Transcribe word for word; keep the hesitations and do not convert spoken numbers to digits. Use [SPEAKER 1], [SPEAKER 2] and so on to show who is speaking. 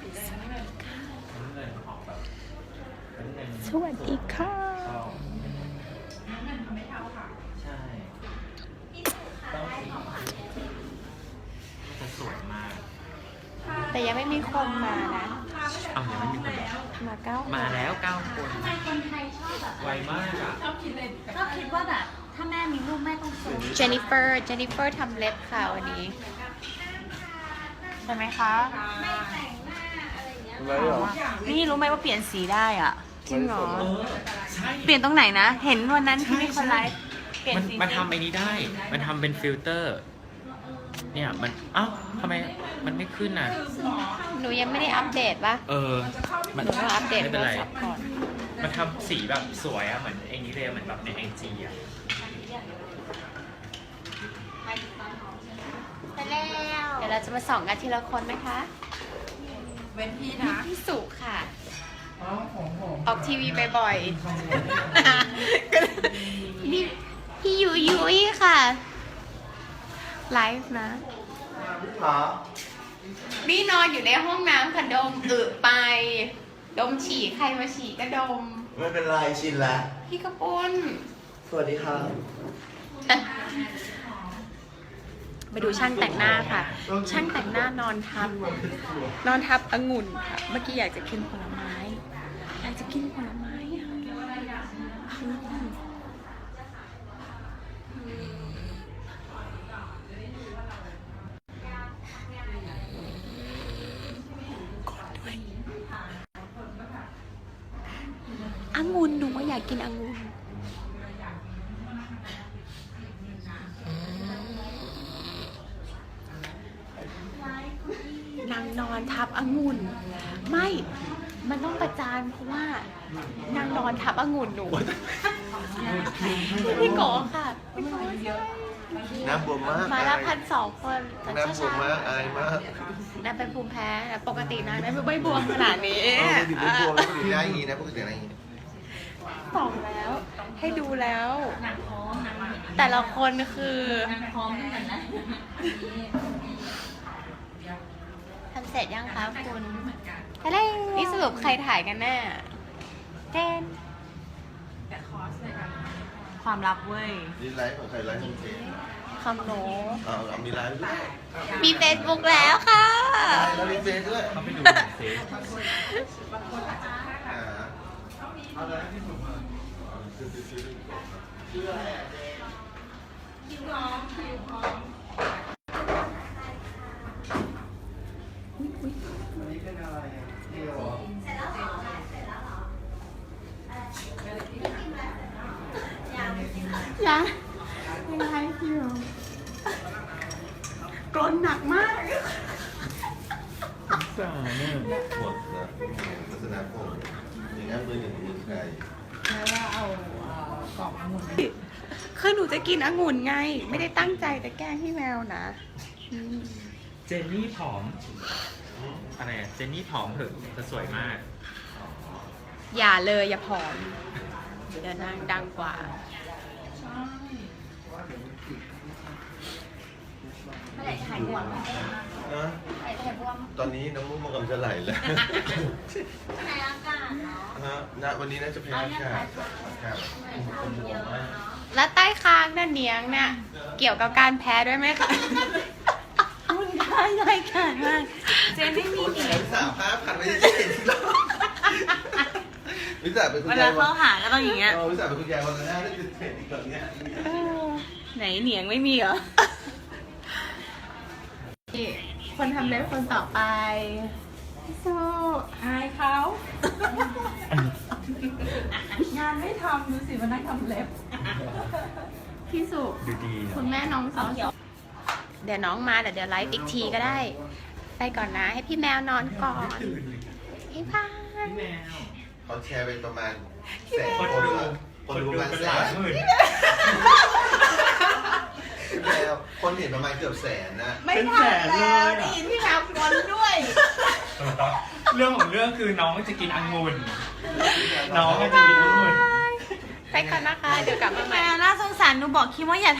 [SPEAKER 1] สวัสดีค่ะ
[SPEAKER 2] ใช่ต้องสีจะสวยมาก
[SPEAKER 1] แต่ยังไม่มีคนมานะ
[SPEAKER 2] เอายังไม่มีคนมา
[SPEAKER 1] มาเก้าคน
[SPEAKER 2] มาแล้วเก้าคน
[SPEAKER 3] ทำไมคนไทยชอบแบบ
[SPEAKER 2] ไวมากอ่ะ
[SPEAKER 3] ชอบคิดเลยชอบคิดว่าแบบถ้าแม่มีลูกแม่ต้องสวย
[SPEAKER 1] เจนนิเฟอร์เจนนิเฟอร์ทำเล็บค่ะวันนี้ใช่ไหมคะ
[SPEAKER 3] ไม่แต่งหน้าอะไรอย่างเงี้ย
[SPEAKER 4] อะไรเหรอ
[SPEAKER 5] นี่รู้ไหมว่าเปลี่ยนสีได้อ่ะ
[SPEAKER 1] จริงเหรอ
[SPEAKER 2] เออใช่
[SPEAKER 5] เปลี่ยนตรงไหนนะ เห็นวันนั้นที่มีคนไลฟ์เปลี่ยน
[SPEAKER 2] มัน
[SPEAKER 5] สี
[SPEAKER 2] มันทำไอ้นี้ได้ มันทำเป็นฟิลเตอร์ เนี่ยมันเอ้าทำไมมันไม่ขึ้นอ่ะ
[SPEAKER 1] หนูยังไม่ได้อัปเดตปะ
[SPEAKER 2] เออ มัน
[SPEAKER 1] หนูต้องอัปเดต
[SPEAKER 2] ไม่
[SPEAKER 1] โท
[SPEAKER 2] เป็น
[SPEAKER 1] ร
[SPEAKER 2] ไร
[SPEAKER 1] ศัพท์ก่อน
[SPEAKER 2] มันทำสีแบบสวยอ่ะ เหมือนไอ้นี้เลยเหมือนแบบในไอจีอ่ะ
[SPEAKER 3] ไปแล้ว
[SPEAKER 1] เดี๋ยวเราจะมาส่องกันทีละคนไหมคะ
[SPEAKER 5] เว้นพี่นะ
[SPEAKER 1] พี่สุค่ะ ออกทีวีบ่อยๆนี่พี่ยุยยุยค่ะ ไลฟ์นะ
[SPEAKER 4] หา
[SPEAKER 1] นี่นอนอยู่ในห้องน้ำค่ะดมอึไป ดมฉี่ใครมาฉี่ก็ดม
[SPEAKER 4] ไม่เป็นไรชินแล้ว
[SPEAKER 1] พี่กระปุ้น
[SPEAKER 4] สวัสดีครับ
[SPEAKER 1] ไปดูช่างแต่งหน้าค่ะ ช่างแต่งหน้านอนทับ นอนทับองุ่นค่ะ เมื่อกี้อยากจะกินผลไม้ อยากจะกินผลไม้อะอืมองุ่นหนูว่าอยากกินองุ่นนางนอนทับองุ่น ไม่ มันต้องประจานเพราะว่านางนอนทับองุ่นหนูพี่โกค่ะพี่โก
[SPEAKER 4] น้ำบวมมาก
[SPEAKER 1] มาละพันสองคนแต่
[SPEAKER 4] น้ำบวมมากอายมาก
[SPEAKER 1] นางเป็นภูมิแพ้แต่ปกตินางไม่ไม่บวมขนาดนี้
[SPEAKER 4] เออปกติไม่บวมแล้วปกติได้อย่างงี้นะปกติได้อย่างงี้
[SPEAKER 1] ส่องแล้ว ให้ดูแล้ว
[SPEAKER 3] หนังพร้อมหนัง
[SPEAKER 1] แต่ละคนคือ
[SPEAKER 3] หนังพร้อมเหมือนกันนะ
[SPEAKER 1] ทำเสร็จยังคะคุณอะไรนี่สรุปใครถ่ายกันแน่เจน
[SPEAKER 5] ความลับเว้ย
[SPEAKER 4] นี่ไลฟ์ของใครไลฟ์ของเจน
[SPEAKER 1] คำโน
[SPEAKER 4] เอาเอามีไลฟ์ด้วย
[SPEAKER 1] มีเฟซบุ๊กแล้วค่ะ
[SPEAKER 4] แล้วมีเฟซด้วย
[SPEAKER 2] เขาไปดูเฟซ
[SPEAKER 4] อ่าเอาอะไรที่ผมมาคือคือคือชื่ออะไรอ่ะ
[SPEAKER 3] คิวพร้อมคิวพร้อม
[SPEAKER 4] วันนี้เป็นอะไรอ่ะเที่ยวเหรอ
[SPEAKER 1] ยังยังไลฟ์อยู่กรนหนักมาก
[SPEAKER 2] สาเนี่ย
[SPEAKER 4] หมดนะลักษณะผมอย่างนั้นมือหนึ่งมือใคร
[SPEAKER 1] คือหนูจะกินองุ่นไง ไม่ได้ตั้งใจจะแกล้งพี่แมวนะอืม
[SPEAKER 2] เจนนี่ผอม อะไรอะเจนนี่ผอมเถอะจะสวยมาก
[SPEAKER 1] อย่าเลยอย่าผอม เดี๋ยวนางดังกว่า
[SPEAKER 3] ไม่ได้ถ่ายบวม
[SPEAKER 4] นะ
[SPEAKER 3] ถ่ายถ่ายบวม
[SPEAKER 4] ตอนนี้น้ำมูกมันกำลังจะไหลแล้ว
[SPEAKER 3] ในอากาศเนาะ
[SPEAKER 4] ฮะณวันนี้น่าจะแพ้อากาศอากาศคนบวมมาก
[SPEAKER 1] แล้วใต้คางนั่นเนียงเนี่ยเกี่ยวกับการแพ้ด้วยไหมคะ
[SPEAKER 5] คุณได้รายการมาก เจนไม่มี
[SPEAKER 4] โอ้ย
[SPEAKER 5] หนี
[SPEAKER 4] แขนสามห้าพันไม่ได้เจ็ดวิสาเป็นคุณาย
[SPEAKER 5] เวยลา
[SPEAKER 4] วั
[SPEAKER 5] เข้าน หาก็ต้องอย่างเงี้ย
[SPEAKER 4] เออวิสาเป็นคุณยายวันละหน้าได้จะเจ็ดอีกแบบเนี้ย
[SPEAKER 1] เออ
[SPEAKER 5] ไหนเหนียงไม่มีเหรอ
[SPEAKER 1] นี่คนทำเล็บคนต่อไปพี่โซ
[SPEAKER 5] อายเขา งานไม่ทำดูสิมานั่งทำเล็บ
[SPEAKER 1] พี่สุ
[SPEAKER 2] ดูดีนะ
[SPEAKER 1] คุณแม่น้องสาวเดี๋ยวน้องมาเดี๋ยวเดี๋ยวไลฟ์อีกทีก็ได้ ไปก่อนนะ ให้พี่แมวนอนก่อนพี่พาน
[SPEAKER 2] พี่แมว
[SPEAKER 4] เขาแชร์เป็นประมาณแสน
[SPEAKER 2] คน
[SPEAKER 4] คน
[SPEAKER 2] ดู
[SPEAKER 4] อะคนดูประมาณ
[SPEAKER 2] เป็น
[SPEAKER 4] แส
[SPEAKER 2] หลาย
[SPEAKER 4] น
[SPEAKER 2] หมื่น
[SPEAKER 4] แล้วคนเห็นประมาณเกือบแสนนะ
[SPEAKER 5] ไม่ทันแล้วได้ยินพี่แมวกลด้วย
[SPEAKER 2] เรื่องของเรื่องคือน้องจะกินองุ่น น้องจะกินองุ่น
[SPEAKER 1] ไปก่อนนะคะ เดี๋ยวกลับมาให
[SPEAKER 5] แม
[SPEAKER 1] ม่
[SPEAKER 5] วน่าสงสารหนูบอกคิดว่าอย่า